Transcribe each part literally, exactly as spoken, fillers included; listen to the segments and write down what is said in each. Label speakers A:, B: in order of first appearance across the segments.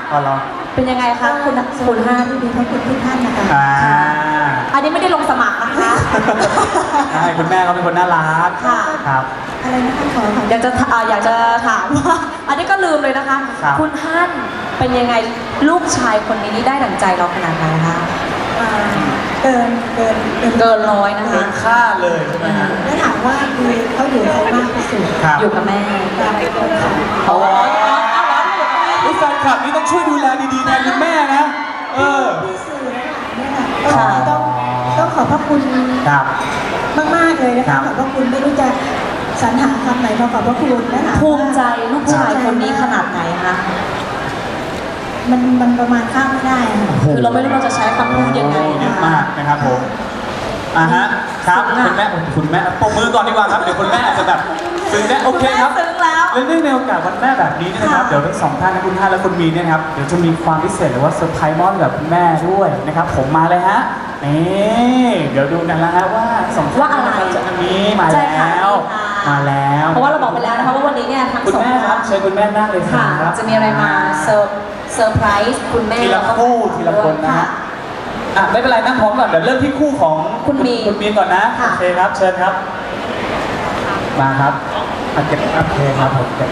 A: อ๋อเหรอ
B: เป็นยังไงคะคุณคุณห้าที่มีทั้งคุณทุกท่านนะคะ
A: อ่า
B: อันนี้ไม่ได้ลงสมัครนะคะ
A: ใช่คุณแม่เขาเป็นคนน่ารัก
B: ค่ะ
A: ครับ
B: อะไรนะคะขออยากจะอยากจะถามว่าอันนี้ก็ลืมเลยนะคะคุณฮั่นเป็นยังไงลูกชายคนนี้นี่ได้ดั่งใจเราขนาดไหนคะ
C: เกินเกิน
B: เกินร้อยนะคะ
A: เกินค่าเลยใช่ไหมฮะ
C: แล้วถามว่าคือเขาอยู่ใครมากที่สุด
B: อยู่กับแม่
A: โอ้ยแฟนคลับนี่ต้องช่วยดูแลดีๆแทนคุณแม่นะเออ
C: พี่สื่อเนี่ยต้องต้องขอบพระคุณมากๆเลยนะคะขอบพระคุณไม่รู้จะสรรหาคำไหนมาขอบพระคุณนะคะ
B: ภูมิใจลูกชายคนนี้ขนาดไหนคะ
C: มันมันประมาณข้ามไม่ได้
B: คือเราไม่รู้เราจะใช้คำพูดยังไง
A: นะมากนะครับผมอ่าฮะครับคุณแม่คุณแม่ปมมือก่อนดีกว่าครับเดี๋ยวคุณแม่อาจจะแบบซึ้งแน่โอเคครับ
B: ซึ้งแล้ว
A: เนื่องในโอกาสวันแม่แบบนี้นะครับเดี๋ยวทั้งสองท่านคุณท่านและคุณมีเนี่ยครับเดี๋ยวจะมีความพิเศษหรือว่าเซอร์ไพรส์มอบกับคุณแม่ด้วยนะครับผมมาเลยฮะนี่เดี๋ยวดูกันแล้วฮะว่าสองท่านจะมีมาแล้วมาแล้ว
B: เพราะว่าเราบอกไปแล้วนะคะว่าวันนี้เนี่ยทั้งสอง
A: คุณแม่ครับเชิญคุณแม่นั่งเลย
B: ครับจะมีอะไรมาเซอร์เซอร์ไพรส์คุณแม่
A: ทีละคู่ทีละคนนะฮะอ่ะไม่เป็นไรนั่งพร้อมก่อนเดี๋ยวเริ่มที่คู่ของ
B: คุณมี
A: คุณมีก่อนนะโอเคครับเชิญครับมาครับอ่ะเก็บโอเคครับผมเก็บ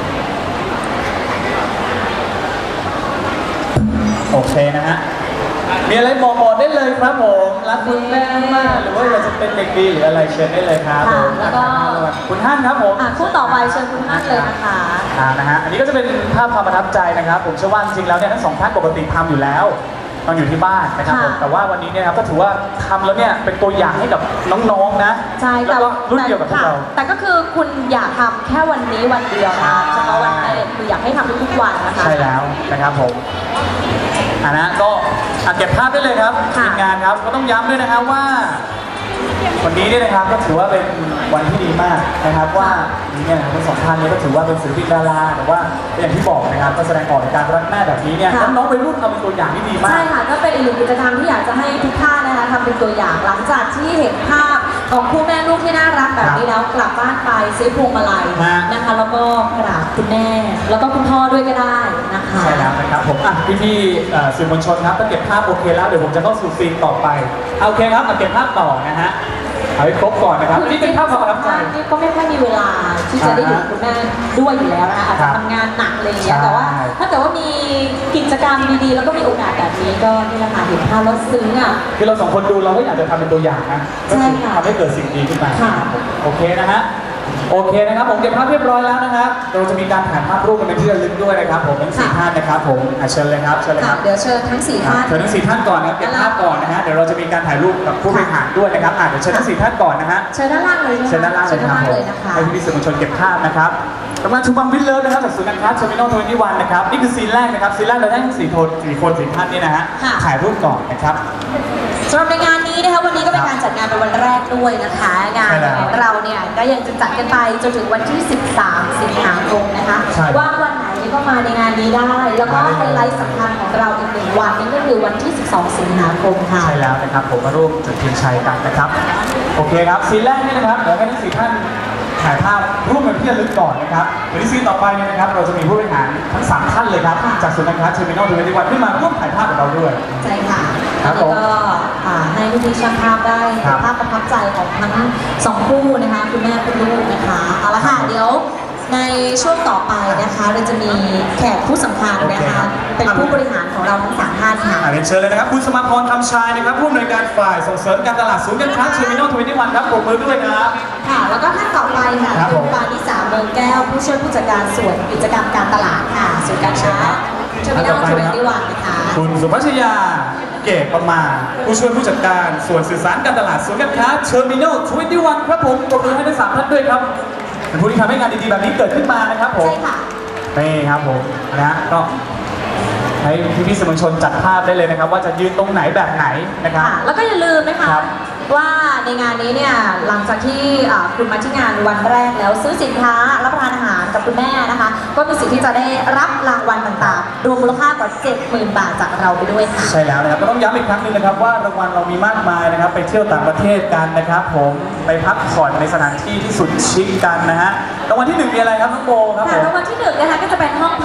A: โอเคนะฮะมีอะไรบอกบอกได้เลยครับผมรักคุณแม่มากหรือว่าอยากจะเป็นเด็กดีหรืออะไรเชิญได้เลยครับผม
B: แล้วก็
A: คุณฮั่นครับผม
B: คู่ต่อไปเชิญคุณฮั่นเลยนะคะ
A: อ่านะฮะอันนี้ก็จะเป็นภาพความประทับใจนะครับผมเชื่อว่าจริงๆแล้วเนี่ยทั้งสองท่านปกติทำอยู่แล้วตอนอยู่ที่บ้านนะครับผมแต่ว่าวันนี้เนี่ยครับก็ถือว่าทำแล้วเนี่ยเป็นตัวอย่างให้กับน้องๆนะ
B: ใช่
A: แล้วก็รุ่นเดียวกับพวกเรา
B: แต่ก็คือคุณอยากทำแค่วันนี้วันเดียวนะเฉพาะวันแม่คืออยากให้ทำทุกวันนะคะ
A: ใช่แล้วนะครับผมอ่านะก็เก็บภาพได้เลยครับทีมงานครับก็ต้องย้ำด้วยนะครับว่าวันนี้เนี่ยนะครับก็ถือว่าเป็นวันที่ดีมากนะครับว่าเนี่ยทั้งสองท่านนี้ก็ถือว่าเป็นศิลปินดาราแต่ว่าอย่างที่บอกนะครับก็แสดงออกในการรักแม่แบบนี้เนี่ยน้องๆวัยรุ่นเอาเป็นตัวอย่างที่ดีมาก
B: ใช่ค่ะก็เป็นอีกหนึ่งกิจกรรมที่อยากจะให้ทุกท่านนะคะทำเป็นตัวอย่างหลังจากที่เห็นภาพของคู่แม่ลูกที่น่ารักแบบนี้แล้วกลับบ้านไปซื้อพวงมาลัยนะคะแล้วก็กราบคุณแม่แล้วก็คุณพ่อด้วยก็ได้นะคะ
A: ใช่แล้วนะครับผมอ่ะพี่ๆสื่อมวลชนครับก็เก็บภาพโอเคแล้วเดี๋ยวผมจะเข้าสู่ซีนต่อไปโอเคครับมาเก็บภาพต่อนะฮะเอาให้ครบก่อนนะครับนี่เป็นภาพความประทับใจ
B: ก็ไม่ค่อยมีเวลาที่จะได้อยู่คุณแม่ด้วยอยู่แล้วนะคะอาจจะทำงานหนักอะไรอย่างเงี้ยแต่ว่าถ้าเกิดว่ามีกิจกรรมดีๆแล้วก็มีโอกาสแบบนี้ก็นี่แหละค่ะเห็นภาพแล้วซึ้งอ่ะ
A: คือเราสองคนดูเราก็อยากจะทำเป็นตัวอย่างนะก็คือทำให้เกิดสิ่งดีขึ้นมาโอเคนะฮะโอเคนะครับผมเก็บภาพเรียบร้อยแล้วนะครับเราจะมีการถ่ายภาพร่วมกันเป็นที่ระลึกด้วยนะครับผมทั้งสี่ท่านนะครับผมเชิญเลยครับเชิญเลยครับ
B: เดี๋ยวเชิญทั้งสี่ท่าน
A: เชิญทั้งสี่ท่านก่อนนะเก็บภาพก่อนนะฮะเดี๋ยวเราจะมีการถ่ายรูปกับผู้บริหารด้วยนะครับเดี๋ยวเชิญทั้งสี่ท่านก่อนนะฮะ
B: เชิญด้านล่างเลย
A: เชิญด้านล่างเลยครับผมให้พี่สื่อมวลชนเก็บภาพนะครับกำลังชูบังวิลเลอร์นะครับจากศูนย์การค้าเทอร์มินอลทเวนตี้วันนะครับนี่คือซีนแรกนะครับซีนแรกเราได้ทั้งสี่คนสี่คนสี่ท่านนี่นะฮะถ่ายรูปก่อนนะครับ
B: สำหรับในงานนี้นะคะวันนี้ก็เป็นการจัดงานเป็นวันแรกด้วยนะคะงานของเราเนี่ยก็ยังจะจัดกันไปจนถึงวันที่สิบสามสิงหาคมนะคะว่างวันไหนก็มาในงานนี้ได้แล้วก็ไฮไลท์สำคัญของเราอีกหนึ่งวันนี้ก็คือวันที่สิบสองสิงหาคมค่ะ
A: ใช่แล้วนะครับผมมาร่วมจุดเทียนชัยกันนะครับโอเคครับซีนแรกนี่นะครับเดี๋ยวให้ทั้งสี่ท่านถ่ายภาพร่วมกันที่ระลึกก่อนนะครับเดี๋ยวที่ซีนต่อไปเนี่ยนะครับเราจะมีผู้บริหารทั้งสามท่านเลยครับจากศูนย์การค้าเทอร์มินอลทเวนตี้วันขึ้นมาร่วมถ่ายภาพกับเราด้วย
B: ใช่ค่ะแล้วก็ให้พี่ๆช่างภาพได้ถ่ายภาพประทับใจของทั้งสองคู่นะคะคุณแม่คุณลูกนะคะเอาละค่ะเดี๋ยวในช่วงต่อไปนะคะเราจะมีแขกผู้สำคัญนะคะเป็นผู้บริหารของเราทั้งสามท่านค่ะ
A: เรียนเชิญเลยนะครับคุณสมาพรคำชายนะครับผู้อำนวยการฝ่ายส่งเสริมการตลาดศูนย์การค้าเทอร์มินอลทเวนตี้วันครับปรบมือด้วยครับ
B: ค่ะแล้วก็ท่านต่อไปค่ะคุณปานิสาเมืองแก้วผู้ช่วยผู้จัดการส่วนกิจกรรมการตลาดค่ะศูนย์การค้าเทอร์มินอลทเวนตี้วันนะคะ
A: คุณสุภัชยาเกตประมาผู้ช่วยผู้จัดการส่วนสื่อสารการตลาดศูนย์การค้าเทอร์มินอลทเวนตี้วันครับผมปรบมือให้ทั้งสามท่านด้วยครับเป็นผู้ที่ทำให้งานดีๆแบบนี้เกิดขึ้นมานะครับผม
B: ใช่ค่ะ
A: นี่ครับผมนะก็ให้พี่ๆสื่อมวลชนจัดภาพได้เลยนะครับว่าจะยืนตรงไหนแบบไหนนะครับ
B: แล้วก็อย่าลืมนะคะว่าในงานนี้เนี่ยหลังจากที่คุณมาที่งานวันแรกแล้วซื้อสินค้ารับประทานอาหารกับคุณแม่นะคะก็มีสิทธิ์ที่จะได้รับรางวัลต่างๆรวมมูลค่ากว่า เจ็ดหมื่น บาทจากเราไปด้วยค่ะ
A: ใช่แล้วนะครับก็ต้องย้ำอีกครั้งหนึ่งนะครับว่ารางวัลเรามีมากมายนะครับไปเที่ยวต่างประเทศกันนะครับผมไปพักผ่อนในสถานที่ที่สุดชิคกันนะฮะรางวัลที่หนึ่งมีอะไรครับน้องโบครับผม
B: รางวัลที่หนึ่งนะคะก็จะเป็นห้องพักสาม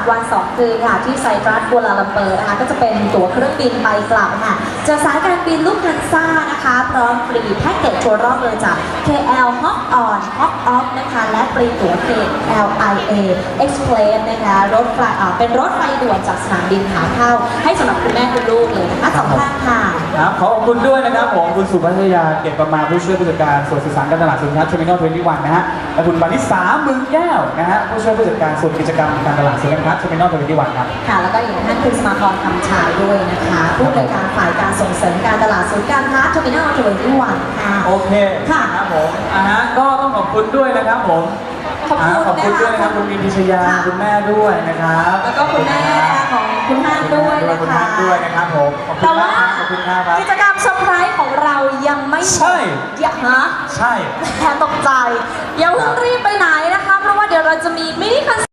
B: วันสองคืนค่ะที่ไซปรัสกัวลาลัมเปอร์นะคะก็จะเป็นตั๋วเครื่องบินไปกลับค่ะจากสายการบินลูกทันซ่านะคะพร้อมฟรีแพ็กเกจทัวร์รอบเลยจาก เค แอล Hop On Hop Off นะคะและฟรีตั๋ว เค แอล ไอ เอ Express นะคะรถไฟอ่าเป็นรถไฟด่วนจากสนามบินขาเข้าให้สำหรับคุณแม่คุณลูกเลยนะคะสองท่านค่ะ
A: ครับขอขอบคุณด้วยนะครับผมคุณสุภัทยาเกตประมาผู้ช่วยผู้จัดการส่วนสื่อสารการตลาดศูนย์การค้า Terminal ยี่สิบเอ็ด นะฮะและคุณปณิสามือแก้วนะฮะผู้ช่วยผู้จัดการส่วนกิจกรรมการตลาดศูนย์การค้า Terminal ยี่สิบเอ็ด ครับ
B: ค่ะแล้วก็อีกท่านคุณสมาพรคำชายด้วยนะคะผู้บริการฝ่ายการส่งเสริมการตลาดศูนย์การค้า Terminal ยี่สิบเอ็ด ค่ะ
A: โอเค
B: ค่ะ
A: ครับผมอ่าฮะก็ต้องขอบคุณด้วยนะครับผม
B: ขอบคุณ
A: าขอบคุณ
B: นะคะ
A: ด้วยนะครับคุณมีนพิชยา
B: ค่ะ
A: คุณแม่ด้วยนะครับ
B: แล้วก็คุณแม่ของคุณฮันด้วยนะ
A: คุณ
B: คะ
A: ฮันด้วยนะครับผมขอบคุ
B: แต่
A: ณ
B: ว่าม
A: ากครับขอบคุณครับครับ
B: กิจกรรมเซอร์ไพรส์ของเรายังไม่หมด
A: ใช่
B: อย่าฮะ
A: ใช่
B: แค่ตกใจอย่าเพิ่งรีบไปไหนนะคะ เพราะว่าเดี๋ยวเราจะมีมินิคอน